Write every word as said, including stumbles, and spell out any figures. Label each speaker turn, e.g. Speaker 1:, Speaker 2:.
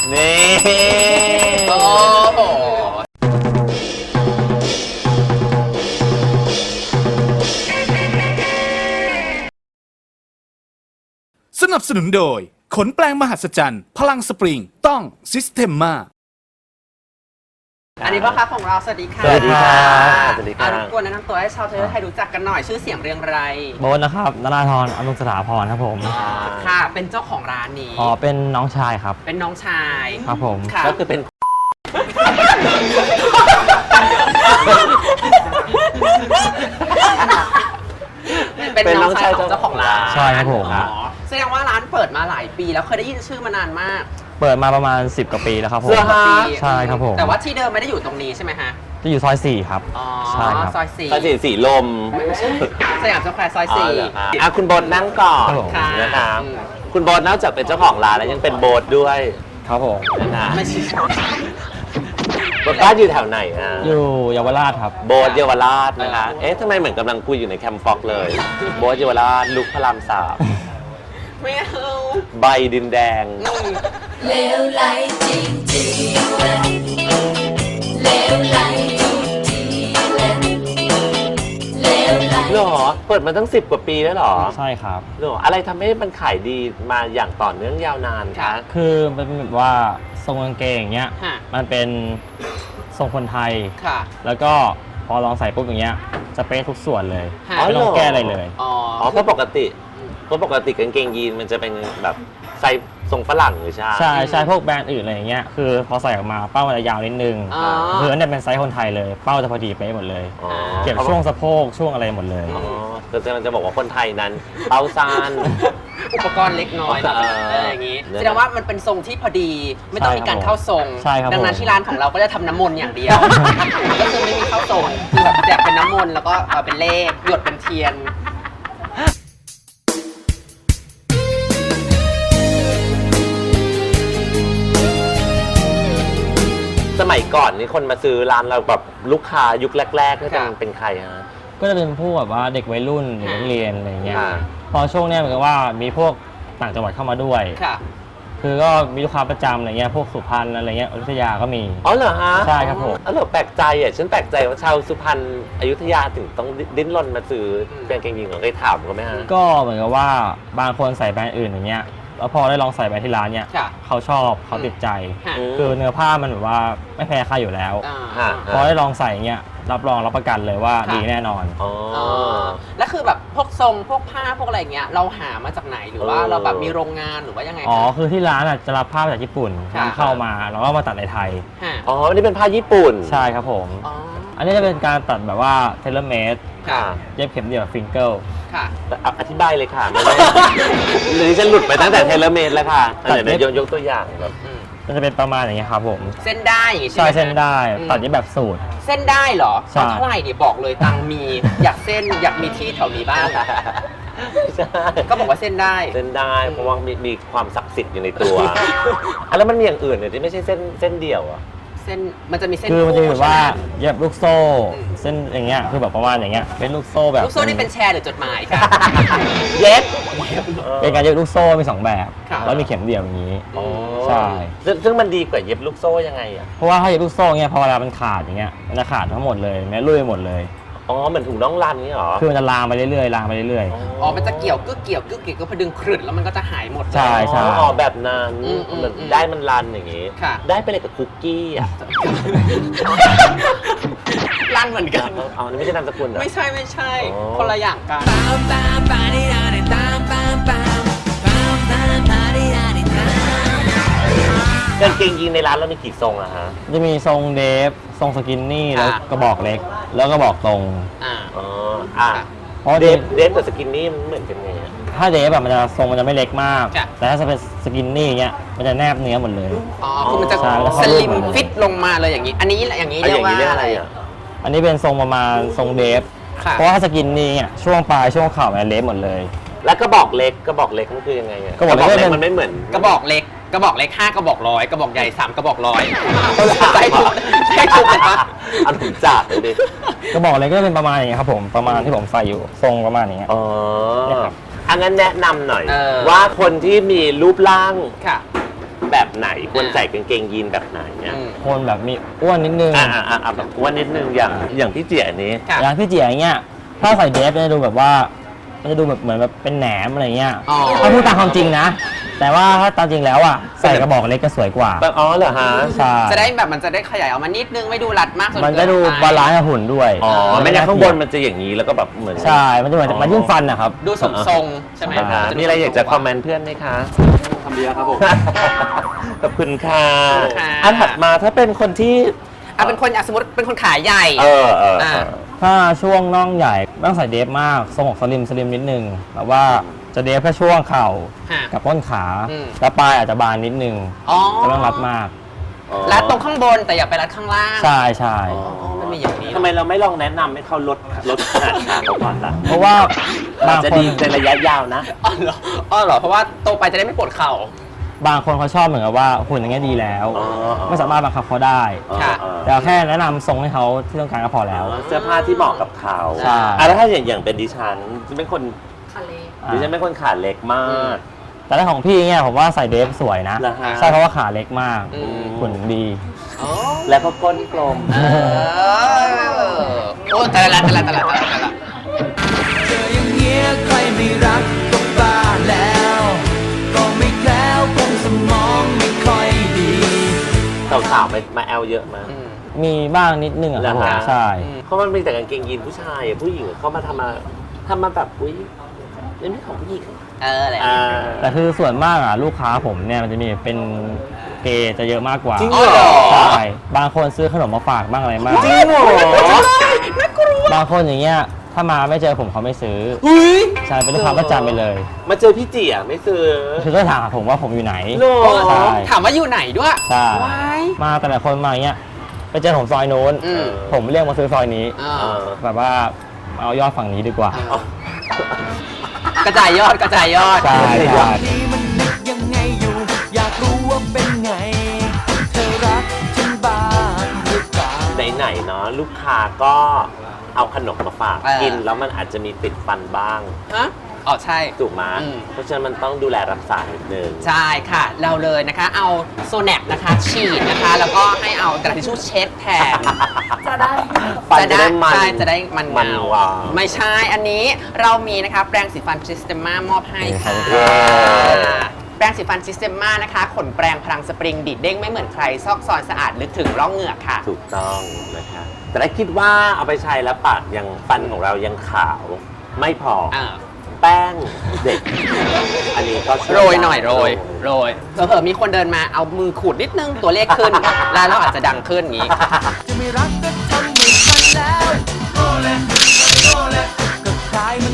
Speaker 1: นี่
Speaker 2: โอ้โห
Speaker 3: สนับสนุนโดยขนแปลงมหัศจรรย์พลังสปริงต้องซิสเ e มมา
Speaker 2: อันนี้พ่อค้าของเราสวัสดีค่ะ
Speaker 1: สวัสดีครับสวัสดีครับ
Speaker 2: รบกวนแนะนำตัวให้ชาวเทเลไทยรู้จักกันหน่อยชื่อเสียงเรียงไร
Speaker 4: โบ๊ทนะครับนราธรอนุสถาพรครับผม
Speaker 2: ค่ะ เป็นเจ้าของร้านนี้
Speaker 4: อ๋อเป็นน้องชายครับ
Speaker 2: เป็นน้องชาย
Speaker 4: ครับผม
Speaker 2: ค่ะ
Speaker 1: ก็คือเป็น
Speaker 2: เป็นน้องชายของเจ้าของร้าน
Speaker 4: ใช่ครับผม
Speaker 2: อ๋อแสดงว่าร้านเปิดมาหลายปีแล้วเคยได้ยินชื่อมานานมาก
Speaker 4: เปิดมาประมาณสิบกว่าปีแล้วครับผม
Speaker 1: เหรอฮะ
Speaker 2: ปี
Speaker 4: ใช่ครับผม
Speaker 2: แต่ว่าที่เดิมไม่ได้อยู่ตรงนี้ใช่ไหมฮะ
Speaker 4: จะอยู่ซอยสี่ครับ
Speaker 2: อ๋อ
Speaker 4: ใช่ครับ
Speaker 2: ซอยสี่
Speaker 1: ภาษีสีลม
Speaker 2: ไม่ใช่สยามสแควร์ซอย
Speaker 1: อ๋อ
Speaker 2: สี่
Speaker 1: เหรอคะอ่ะคุณโบทนั่งก่อน
Speaker 4: ครับผม
Speaker 2: ค่ะ
Speaker 1: นะครับ
Speaker 2: อืม
Speaker 1: คุณโบทนอกจากเป็นเจ้าของร้านแล้วยังเป็นโบทด้วย
Speaker 4: ครับผม
Speaker 1: นะ
Speaker 2: ไม่ใช่
Speaker 1: โบทบ้านอยู่แถวไหนอ่ะ
Speaker 4: อยู่เยาวราชครับ
Speaker 1: โบทเยาวราชนะคะ เอ๊ะทำไมเหมือนกำลังคุยอยู่ในแคมป์ฟ็อกเลย โบทเยาวราชลุกพระรามสาม
Speaker 2: ไม่เอา
Speaker 1: ใบดินแดง
Speaker 2: อืม
Speaker 5: เลวไหลจริงจริงเลยเลวไหลทุกทีเลยเลวไหล
Speaker 1: เหรอ เปิดมาตั้งสิบกว่าปีแล้วเหรอ
Speaker 4: ใช่ครับ
Speaker 1: เหรอ อะไรทำให้มันขายดีมาอย่างต่อเนื่องยาวนานคะ
Speaker 4: คือมันเป็นแบบว่าทรงกางเกงอย่างเงี้ย
Speaker 2: ฮะ
Speaker 4: มันเป็นทรงคนไทย
Speaker 2: ค่ะ
Speaker 4: แล้วก็พอลองใส่ปุ๊บอย่างเงี้ยจะเป๊ะทุกส่วนเลย
Speaker 2: ฮะ
Speaker 4: ไม่ต้องแก้อะไรเลย
Speaker 2: อ๋อ
Speaker 1: อ๋อเพราะปกติเพราะปกติกางเกงยีนมันจะเป็นแบบไซส์ทรงฝรั่งหรือใช่
Speaker 4: ใช่ใช่พวกแบรนด์อื่นอะไรอย่างเงี้ยคือพอใส่ออกมาเป้ามันจะยาวนิดนึง
Speaker 2: อ๋อ
Speaker 4: คืออันเนี้ยเป็นไซส์คนไทยเลย เป้าจะพอดีเป๊ะหมดเลย
Speaker 1: อ๋อ
Speaker 4: เก็บช่วงสะโพกช่วงอะไรหมดเลย
Speaker 1: อ๋อแต่จะมันจะบอกว่าคนไทยนั้น เป้าซาน
Speaker 2: อุปกรณ์เล็กน้อยแบบ
Speaker 1: เออ
Speaker 2: เอออย่างนี้
Speaker 1: เนี่ย
Speaker 2: แสดงว่ามันเป็นทรงที่พอดี ไม่ต้องมีการเข้าทรง
Speaker 4: ใช่ครับ
Speaker 2: ดังนั้น
Speaker 4: ผม
Speaker 2: ที่ร้านของเราก็จะทำน้ำมนต์อย่างเดียว ก็คือไม่มีเข้าทรงคือแบบแจกเป็นน้ำมนต์แล้วก็เอาเป็นเลขหยดเป็นเทียน
Speaker 1: สมัยก่อนนี่คนมาซื้อร้านเราแบบลูกค้ายุคแรกๆนี่เป็น
Speaker 2: ค่ะ
Speaker 1: เป็นใครฮะ
Speaker 4: ก็จะเป็นพวกแบบว่าเด็กวัยรุ่นเด็กนักเรียนอะไรอย่างเงี้ย
Speaker 1: ค่ะ
Speaker 4: พอช่วงเนี้ยเหมือนกับว่ามีพวกต่างจังหวัดเข้ามาด้วย
Speaker 2: ค่ะ
Speaker 4: คือก็มีลูกค้าประจำอะไรเงี้ยพวกสุพรรณอะไรเงี้ยอยุธยาก็มี
Speaker 1: อ๋อเหรอฮะ
Speaker 4: ใช่ครับผม
Speaker 1: อ๋อเหรอแปลกใจอ่ะฉันแปลกใจว่าชาวสุพรรณอยุธยาถึงต้องดิ้นรนมาซื้อเป็นกางเกงยีนของเคยถามเขาไหมฮะ
Speaker 4: ก็เหมือนกับว่าบางคนใส่แบรนด์อื่นอย่างเงี้ยแล้วพอได้ลองใส่แบรนด์ที่ร้านเนี่ย
Speaker 2: ค่ะ
Speaker 4: เขาชอบเขาติดใจ
Speaker 2: ค่ะ
Speaker 1: อืม
Speaker 4: คือเนื้อผ้ามันแบบว่าไม่แพ้ใครอยู่แล้ว
Speaker 2: อ่า
Speaker 1: ฮะ
Speaker 4: พอได้ลองใส่เงี้ยรับรองรับประกันเลยว่า
Speaker 2: ค่ะ
Speaker 4: ดีแน่นอน
Speaker 1: อ๋อ
Speaker 2: อ๋อแล้วคือแบบพวกทรงพวกผ้าพวกอะไรอย่างเงี้ยเราหามาจากไหนหรือว่า
Speaker 1: เออ
Speaker 2: เราแบบมีโรงงานหรือว่ายังไง
Speaker 4: อ๋อ
Speaker 2: คะ
Speaker 4: คือที่ร้านอ่ะจะรับผ้ามาจากญี่ปุ่น
Speaker 2: ค่ะ
Speaker 4: นำเข้ามาแล้วก็มาตัดในไทย
Speaker 2: ฮะ
Speaker 1: อ๋ออันนี้เป็นผ้าญี่ปุ่น
Speaker 4: ใช่ครับผม
Speaker 2: อ๋อ
Speaker 4: อันนี้จะเป็นการตัดแบบว่าเทเลเมด
Speaker 2: ค่ะ
Speaker 4: เย็บเข็มเดี่ยวฟิงเกิล
Speaker 2: ค่ะ
Speaker 1: อ่ะอธิบายเลยค่ะไม่ได้ หรือฉันหลุดไปตั้งแต่เทเลเมดแล้วค่ะ
Speaker 4: ตัด
Speaker 1: เดี๋ยว
Speaker 4: เย็บ
Speaker 1: ยกยกตัวอย่างแบบ
Speaker 2: อืม
Speaker 4: มันจะเป็นประมาณอย่างเงี้ยครับผม
Speaker 2: เส้นได้อย่างงี้ใช่
Speaker 4: ใช่
Speaker 2: ไหม
Speaker 4: เส้นได้
Speaker 2: อืม
Speaker 4: ตัดเย็บแบบสูตร
Speaker 2: เส้นได้เหรอ
Speaker 4: ใช่
Speaker 2: เอาเท่าไหร่เนี่ยบอกเลยตังค์มี อยากเส้นอยากมีที่แถวนี้บ้าง
Speaker 1: ใช่
Speaker 2: ก็บอกว่าเส้นได้
Speaker 1: เส้นได้เพราะว่ามีมีความศักดิ์สิทธิ์อยู่ในตัวอ่ะแล้วมันมีอย่างอื่นเนี่ยที่ไม่ใช่เส้นเส้นเดี่ยวอ่ะ
Speaker 2: เส้นมันจะมีเส้น
Speaker 4: คือมันจะ
Speaker 2: คู่
Speaker 4: แบบว่า
Speaker 2: ใช่ไหม
Speaker 4: เย็บลูกโซ่
Speaker 2: อืม
Speaker 4: เส้นอย่างเงี้ยคือแบบประมาณอย่างเงี้ยเป็นลูกโซ่แบบ
Speaker 2: ลูกโซ่นี่เป็นแชร์หรือจดหมายค่ะ
Speaker 1: เย็บ
Speaker 4: เป็นการเย็บลูกโซ่มีสองแบบ
Speaker 2: ค่ะ
Speaker 4: แล้วมีเข็มเดี่ยวอย่างนี้
Speaker 1: อ๋อ
Speaker 4: ใช่
Speaker 1: ซึ่งซึ่งมันดีกว่าเย็บลูกโซ่ยังไงอ่ะ
Speaker 4: เพราะว่าถ้าเย็บลูกโซ่เงี้ยพอเวลามันขาดอย่างเงี้ยมันจะขาดทั้งหมดเลยแม้ลุยหมดเลย
Speaker 1: อ๋อเหมือนถุงน่องรันนี่เหรอ
Speaker 4: คือมันจะลามไปเรื่อยๆลามไปเรื่อย
Speaker 2: อ๋อมันจะเกี่ยวกึกเกี่ยวกึกเกี่ยวก็พอดึงครึดแล้วมันก็จะหายหมด
Speaker 4: ใช่ ใช่
Speaker 1: อ๋อแบบนั้น
Speaker 2: อืมอืม
Speaker 1: เหมือน
Speaker 2: อืม
Speaker 1: ได้มันรันอย่างงี้
Speaker 2: ค่ะ
Speaker 1: ได้ไปเลยกับคุกกี้อ่ะ
Speaker 2: ลั่นเหมือนกัน
Speaker 1: เอาอันนี้ไม่ใช่นามสกุลเหรอ
Speaker 2: ไม่ใช่ไม่ใช่
Speaker 1: อ๋อ
Speaker 2: คนละอย่างกัน
Speaker 1: กางเกงยีนในร้านเรามีกี่ทรงอะฮะ
Speaker 4: ๆจะมีทรงเดฟทรงสกินนี่
Speaker 2: ค่ะ
Speaker 4: แล้วกระบอกเล็ก แล้วก็บอกตรง
Speaker 2: อ่า
Speaker 1: อ๋ออ่ะ
Speaker 4: เพราะ
Speaker 1: เด
Speaker 4: เด
Speaker 1: ฟ
Speaker 4: ฟ
Speaker 1: เดฟกับสกินนี่มันเหมือนกันไงอะ
Speaker 4: ถ้าเดฟแบบมันจะทรงมันจะไม่เล็กมาก
Speaker 2: ค่ะ
Speaker 4: แต่ถ้าจะเป็นสกินนี่เงี้ยมันจะแนบเนื้อหมดเลย
Speaker 2: อ๋อคือมันจะ
Speaker 4: ใช่แล้ว
Speaker 2: ส
Speaker 4: เข้ารู
Speaker 2: ลิ
Speaker 4: ป
Speaker 2: ม
Speaker 4: หมดเลย
Speaker 2: ฟิตลงมาเลยอย่างนี้ อันนี้อย่างนี้
Speaker 1: อ่ะ
Speaker 2: เรี
Speaker 1: อย
Speaker 2: ก
Speaker 1: ย่าง
Speaker 2: ว่า
Speaker 1: นี้เรียกอะไรอะ
Speaker 4: อันนี้เป็นทรงประมาณทรงเดฟ
Speaker 2: ค่ะ
Speaker 4: เพราะว่าถ้าสกินนี่เนี่ยช่วงปลายช่วงเข่ามันเล็บหมดเลย
Speaker 1: แล้วกระบอกเล็กกระบอกเล็กมันคือยังไงอะ
Speaker 4: กระบอกเล็ก
Speaker 1: เล็ก
Speaker 4: เป็น
Speaker 1: มันไม่เหมือน
Speaker 2: กระบอกเล็กกระบอกเล็กห้ากระบอกร้อยกระบอกใหญ่สามกระบอกร้อย
Speaker 1: เขาจะ
Speaker 2: ใช่ถูกใช่ถูกไหมคะ
Speaker 1: เอาถุงจับเลยดิ
Speaker 4: กระบอกเล็กก็จะเป็นประมาณอย่างเงี้ยครับผมประมาณที่ผมใส่อยู่ทรงประมาณอย่างเงี้ย
Speaker 1: อ๋อ
Speaker 4: เนี่ยครับ
Speaker 1: อันนั้นแนะนำหน่อย
Speaker 2: เออ
Speaker 1: ว่าคนที่มีรูปร่าง
Speaker 2: ค่ะ
Speaker 1: แบบไหนควรใส่กางเกงยีนแบบไหนเนี่ย
Speaker 2: อืม
Speaker 4: คนแบบมีอ้วนนิดนึง
Speaker 1: อ่าอ่าอ่าแบบอ้วนนิดนึงอย่างอย่างพี่เจี๋ยนี้
Speaker 2: ค่ะ
Speaker 4: อย่างพี่เจี๋ยอย่างเงี้ยถ้าใส่เดฟมันจะดูแบบว่ามันจะดูแบบเหมือนแบบเป็นแหนมอะไรเงี้ย
Speaker 2: อ๋อ
Speaker 4: ถ้าพูดตามความจริงนะ แต่ว่าถ้าตามจริงแล้วอ่ะใส่กระบอกเล็กจะสวยกว่า
Speaker 1: แบบอ๋อเหรอฮะ
Speaker 4: ใช่
Speaker 2: จะได้แบบมันจะได้ขยายออกมานิดนึงไม่ดูรัดมากจน
Speaker 4: มัน
Speaker 2: เกิ
Speaker 4: จะ
Speaker 2: น
Speaker 4: ดู
Speaker 2: ไป
Speaker 4: บาลานซ์กับหุ่นด้วย
Speaker 1: อ๋อไม่งั้นข้างบนมันจะอย่างนี้แล้วก็แบบเหมือน
Speaker 4: ใช่ มันจะเหมือนมันยิ่งฟันนะครับ
Speaker 2: ดูสมทรงใช่ไหม
Speaker 1: นะคะ
Speaker 2: นดู
Speaker 1: มีอะไรอยากจะ
Speaker 2: สมท
Speaker 1: คอมเมนต์เพื่อนไหมคะ
Speaker 6: ทำดีแล้วครับผม
Speaker 1: ขอบคุณค่ะ
Speaker 2: ขอบคุณค่ะ
Speaker 1: อันถัดมาถ้าเป็นคนที่
Speaker 2: อ่ะเป็นคนอ่ะสมมติเป็นคนขาใหญ่
Speaker 1: เออเออเอ
Speaker 2: อ่า
Speaker 1: อ
Speaker 4: ถ้าช่วงน่องใหญ่ไม่ต้องใส่เดฟมากทรงของสลิมสลิมนิดนึงแบบว่าจะเดฟแค่ช่วงเข่า
Speaker 2: ค่ะ
Speaker 4: กับต้นขา
Speaker 2: อืม
Speaker 4: แล้วปลายอาจจะบานนิดนึง
Speaker 2: อ๋อ
Speaker 4: ไม่ต้องรัดมาก
Speaker 2: รัดตรงข้างบนแต่อย่าไปรัดข้างล่าง
Speaker 4: ใช่ใช่
Speaker 2: อ๋อมันมีอย่างนี้
Speaker 1: ทำไมเราไม่ลองแนะนำให้เขาลดลดขนาดขาเขาก่อนล่ะ
Speaker 4: เพราะว่า
Speaker 1: อา
Speaker 4: บา
Speaker 1: จ
Speaker 4: ง
Speaker 1: จะ
Speaker 4: คน
Speaker 1: ดีในระยะยาวนะ
Speaker 2: อ๋อเหรออ๋อเหรอเพราะว่าโตไปจะได้ไม่ปวดเข่า
Speaker 4: บางคนเขาชอบเหมือนกับว่าหุ่นอย่างเงี้ยดีแล้ว
Speaker 1: อ๋ออ๋อ
Speaker 4: ไม่สามารถบังคับเขาได้
Speaker 2: ค่ะ
Speaker 1: เออ
Speaker 4: แต่แค่แนะนำทรงให้เขาที่ต้องการก็พอแล้ว
Speaker 1: เสื้อผ้าที่เหมาะกับเขา
Speaker 4: ใช่
Speaker 1: อ่ะแล้วถ้าอย่างอย่างเป็นดิฉันเป็นคน
Speaker 2: ทะเล
Speaker 1: ดิฉันเป็นคนขาเล็กมาก
Speaker 4: แต่ถ้าของพี่เนี่ยผมว่าใส่เดฟสวยนะ
Speaker 1: เหรอฮะ
Speaker 4: ใช่เพราะว่าขาเล็กมาก
Speaker 2: อืม
Speaker 4: หุ่นดี
Speaker 2: อ๋อ
Speaker 1: แล้วก็ก้นกลม
Speaker 2: เออโอ้แต่ละแต่ละแต่ละแต่ละแต่ละ
Speaker 7: เจออย่างเงี้ยใครไม่รักก็บ้าแล้ว ก็ไม่แคล้วคงสมองไม่ค่อยดี
Speaker 1: สาวๆมามาแอลเยอะมาก
Speaker 2: อืม
Speaker 4: มีบ้างนิดนึงอะครับ
Speaker 1: เหร
Speaker 4: ผ
Speaker 1: อ
Speaker 4: ม
Speaker 1: ฮะ
Speaker 4: ใช่
Speaker 1: เพราะมันมีแต่กางเกงยีนผู้ชายอะผู้หญิงเขามาทำมาทำมาแบบอุ้ยนี่ไม่ของผู้หญิง
Speaker 2: เออแหละ
Speaker 1: อ่า
Speaker 4: แต่คือส่วนมากอ่ะลูกค้าผมเนี่ยมันจะมีเป็นเกย์จะเยอะมากกว่า
Speaker 1: จริงเหรอ
Speaker 4: ใช่บางคนซื้อขนมมาฝากบ้างอะไรบ้าง
Speaker 1: จริงเหรอ
Speaker 4: บางคนอย่างเงี้ยถ้ามาไม่เจอผมเขาไม่ซื้อ
Speaker 1: อุ้ย
Speaker 4: ใช่เป็นลูกค้าประจำไปเลย
Speaker 1: มาเจอพี่เจี๋ยไม่ซื้อ
Speaker 4: คือก็ถามผมว่าผมอยู่ไหน
Speaker 1: โล
Speaker 4: ใช่
Speaker 2: ถามว่าอยู่ไหนด้วย
Speaker 4: ใช่
Speaker 2: ว้าย
Speaker 4: มาแต่ละคนมาอย่างเงี้ยไปเจอผมซอยโน้น
Speaker 2: อืม
Speaker 4: ผมเรียกมาซื้อซอยนี้
Speaker 2: อ่า
Speaker 1: เออ
Speaker 4: แบบว่าเอายอดฝั่งนี้ดีกว่า
Speaker 2: กระจายยอดกระจายยอด
Speaker 4: ใช่ใช่
Speaker 7: นี่มันนึกยังไงอยู่ อยากรู้ว่าเป็นไง เธอรักฉันบ้างหรือเปล่า
Speaker 1: ไหนๆเนาะลูกค้าก็เอาขนมมาฝาก
Speaker 2: เออ
Speaker 1: กินแล้วมันอาจจะมีติดฟันบ้าง
Speaker 2: ฮะอ๋อใช่
Speaker 1: ถูกไหม
Speaker 2: อืม
Speaker 1: เพราะฉะนั้นมันต้องดูแลรักษานิดนึง
Speaker 2: ใช่ค่ะ เราเลยนะคะ เอาโซแนปนะคะ ฉีดนะคะ แล้วก็ให้เอากระดาษทิชชู่เช็ดแทน
Speaker 5: จะได้
Speaker 1: ฟันจะได้มัน
Speaker 2: ใช่จะได้มัน
Speaker 1: มัน
Speaker 2: เงา
Speaker 1: วาว
Speaker 2: ไม่ใช่ อันนี้เรามีนะคะแปรงสีฟันซิสเต m มามอบให้ค่ะ
Speaker 1: เย้
Speaker 2: แปรงสีฟันซิสเต m มานะคะ ขนแปรงพลังสปริงดีดเด้งไม่เหมือนใคร ซอกซอนสะอาดลึกถึงร่องเหงือกค่ะ
Speaker 1: ถูกต้องนะคะแต่ถ้าคิดว่าเอาไปใช้แล้วปากยังฟันของเรายังขาวไม่พอ
Speaker 2: อ่า
Speaker 1: แป้งเด็ก อันนี้ก็ช่ว
Speaker 2: โรยหน่อย
Speaker 1: ได้
Speaker 2: โรยโรยเผลอๆมีคนเดินมาเอามือขูดนิดนึงตัวเลขขึ้น แล้วเราอาจจะดังขึ้นอย่างนี้
Speaker 7: จะไม่รักก็ทำไม่ทันแล้วโอเลโอเลก็คล้ายเหมือน